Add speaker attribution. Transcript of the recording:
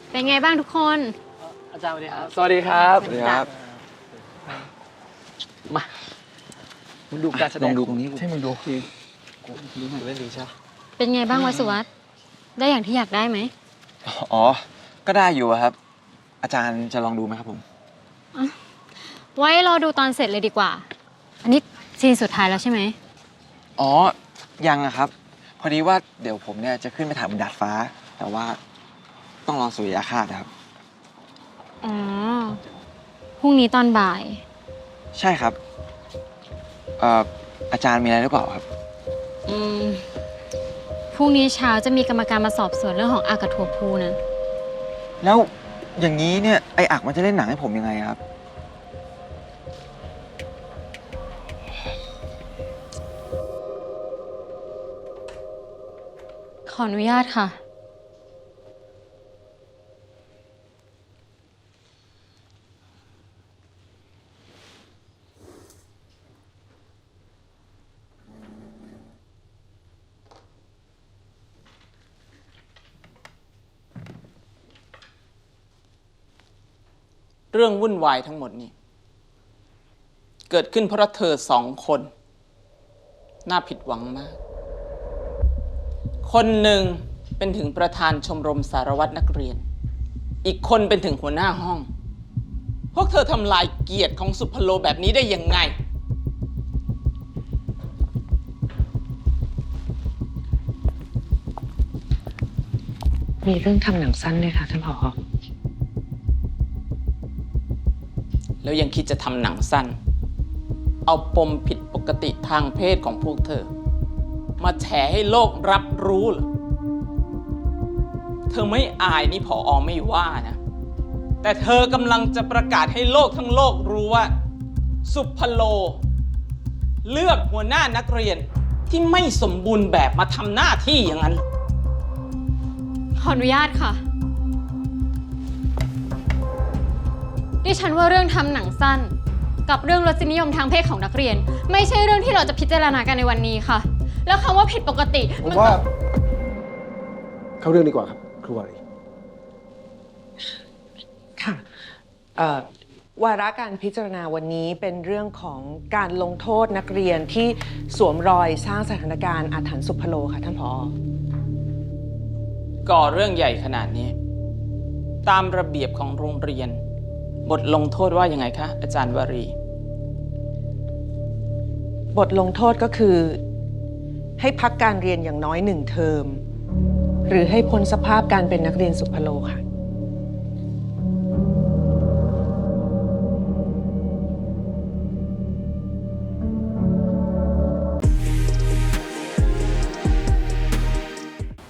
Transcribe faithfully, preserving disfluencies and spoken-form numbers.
Speaker 1: เป็นไงบ้างทุกคน
Speaker 2: อาจารย์สวัสดีครับ
Speaker 3: สวัสดีครับ
Speaker 4: สวัสดีครับ
Speaker 2: มามึงดูการแสดง
Speaker 4: ลองดูตรงนี้
Speaker 3: ให้มึงดู
Speaker 2: ดูหน่อยเล่นดีใช่
Speaker 1: เป็นไงบ้างวัสุวัตได้อย่างที่อยากได้ไหม
Speaker 4: อ๋อก็ได้อยู่ครับอาจารย์จะลองดูไหมครับผม
Speaker 1: ไว้รอดูตอนเสร็จเลยดีกว่าอันนี้ซีนสุดท้ายแล้วใช่ไหม
Speaker 4: อ๋อยังอะครับพอดีว่าเดี๋ยวผมเนี่ยจะขึ้นไปถ่ายบนดาดฟ้าแต่ว่าต้องรอสุริยคราสนะครับ
Speaker 1: อ๋อพรุ่งนี้ตอนบ่าย
Speaker 4: ใช่ครับเอ่ออาจารย์มีอะไรหรือเปล่าครับ
Speaker 1: อืมพรุ่งนี้เช้าจะมีกรรมการมาสอบสวนเรื่องของอากาศถั่วพูนะ
Speaker 4: แล้วอย่างนี้เนี่ยไออักมันจะเล่นหนังให้ผมยังไงครับ
Speaker 1: ขออนุญาตค่ะ
Speaker 3: เรื่องวุ่นวายทั้งหมดนี้เกิดขึ้นเพราะเธอสองคนน่าผิดหวังมากคนหนึ่งเป็นถึงประธานชมรมสารวัตรนักเรียนอีกคนเป็นถึงหัวหน้าห้องพวกเธอทำลายเกียรติของสุพโลแบบนี้ได้ยังไง
Speaker 5: มีเรื่องทำหนังสั้นด้วยค่ะท่านผอ.
Speaker 3: แล้วยังคิดจะทำหนังสั้นเอาปมผิดปกติทางเพศของพวกเธอมาแฉให้โลกรับรู้เหรอเธอไม่อายนี่ผอ.ไม่ว่านะแต่เธอกำลังจะประกาศให้โลกทั้งโลกรู้ว่าสุพโลเลือกหัวหน้านักเรียนที่ไม่สมบูรณ์แบบมาทำหน้าที่อย่างนั้น
Speaker 1: ขออนุญาตค่ะดิฉันว่าเรื่องทำหนังสั้นกับเรื่องรสนิยมทางเพศของนักเรียนไม่ใช่เรื่องที่เราจะพิจารณากันในวันนี้ค่ะแล้วคำว่าผิดปกติ
Speaker 6: ผมว่าเข้าเรื่องดีกว่าครับครูวารี
Speaker 5: ค่ะวาระการพิจารณาวันนี้เป็นเรื่องของการลงโทษนักเรียนที่สวมรอยสร้างสถานการณ์อาถรรพ์สุพโลค่ะท่านผอ.
Speaker 3: ก่อเรื่องใหญ่ขนาดนี้ตามระเบียบของโรงเรียนบทลงโทษว่ายังไงคะอาจารย์วารี
Speaker 5: บทลงโทษก็คือให้พักการเรียนอย่างน้อยหนึ่งเทอมหรือให้พ้นสภาพการเป็นนักเรียนสุพโลค่ะ